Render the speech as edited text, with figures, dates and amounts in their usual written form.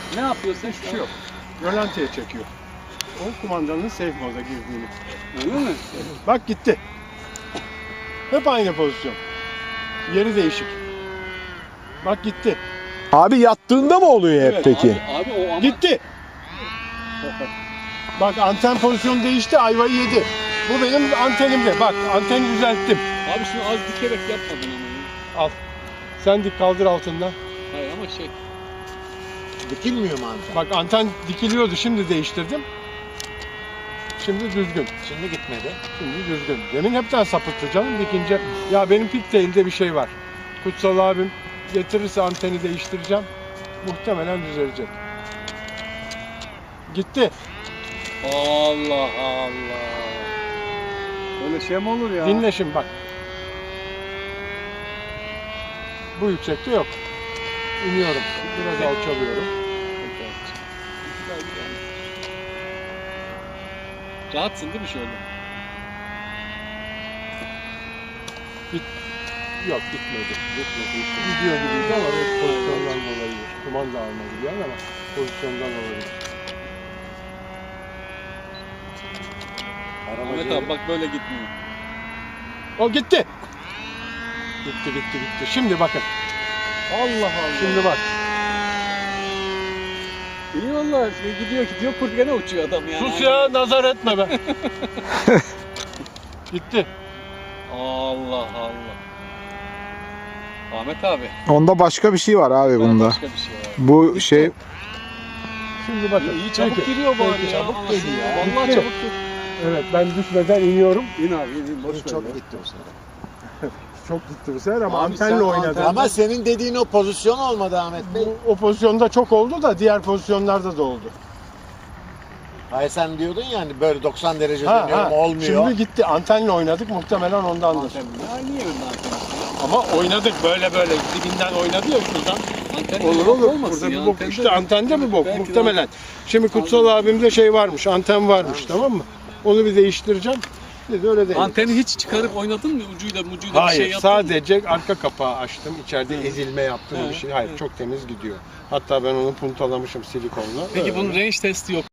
Ne yapıyorsun? Hiçbir şey yok. Rölantiye çekiyor. O kumandanın safe moda girdiğini. Öyle mi? Bak gitti. Hep aynı pozisyon. Yeri değişik. Bak gitti. Abi yattığında mı oluyor hep Evet, peki? Abi o ama... Gitti. Bak anten pozisyonu değişti, ayvayı yedi. Bu benim antenimde. Bak anteni düzelttim. Abi şunu az dikerek yapmadın ama. Al. Sen dik kaldır altından. Hayır ama şey... Dikilmiyor mu anten? Bak anten dikiliyordu, şimdi değiştirdim. Şimdi düzgün. Şimdi gitmedi. Şimdi düzgün. Demin hepten sapıttı canım dikince. Ya benim pigtail'de bir şey var. Kutsal abim getirirse anteni değiştireceğim. Muhtemelen düzelecek. Gitti. Allah Allah. Böyle şey mi olur ya? Dinle şimdi bak. Bu yüksekte yok. İniyorum. Biraz alçalıyorum. Rahatsın değil mi şöyle? Yok gitmedi. Gidiyor gibiydi ama pozisyondan dolayı. Kumanda almadı yani ama pozisyondan olabilir. Ahmet abi bak böyle gitmiyor. O gitti. Gitti. Şimdi bakın. Allah Allah. Şimdi bak. İyi valla gidiyor kurt gene uçuyor adam yani. Sus ya, nazar etme be. Gitti. Allah Allah. Ahmet abi. Onda başka bir şey var abi bunda. Başka bir şey var. Bu şey Şimdi bakın. İyi çabuk Peki. giriyor bari Peki, ya. çabuk Anasını geliyor. ya. Vallahi Gitti. çabuk giriyor. Evet, ben düşmeden iniyorum. İn abi in boş ver. Çok ya. gitti o sırada. Çok gitti bu sefer ama Abi antenle sen oynadı. Ama senin dediğin o pozisyon olmadı Ahmet Bey. O pozisyonda çok oldu da diğer pozisyonlarda da oldu. Hayır sen diyordun yani böyle 90 derece dönüyorum olmuyor. Şimdi gitti. Antenle oynadık muhtemelen ondandır. Anten ya niye önüne anten? Ama oynadık böyle dibinden oynadı ya şuradan. Anten Olur olmasın Burada ya, bir bok. antende İşte antende bir bok belki de muhtemelen. Şimdi Kutsal abimde şey varmış, anten varmış, tamam mı? Onu bir değiştireceğim. Dedi öyle değil. Anteni hiç çıkarıp oynadın mı? Ucuyla bir Hayır, şey yaptın mı? sadece arka kapağı açtım. İçeride ezilme yaptığım bir şey. Hayır, çok temiz gidiyor. Hatta ben onu puntalamışım silikonla. Peki Öyle. bunun range testi yok.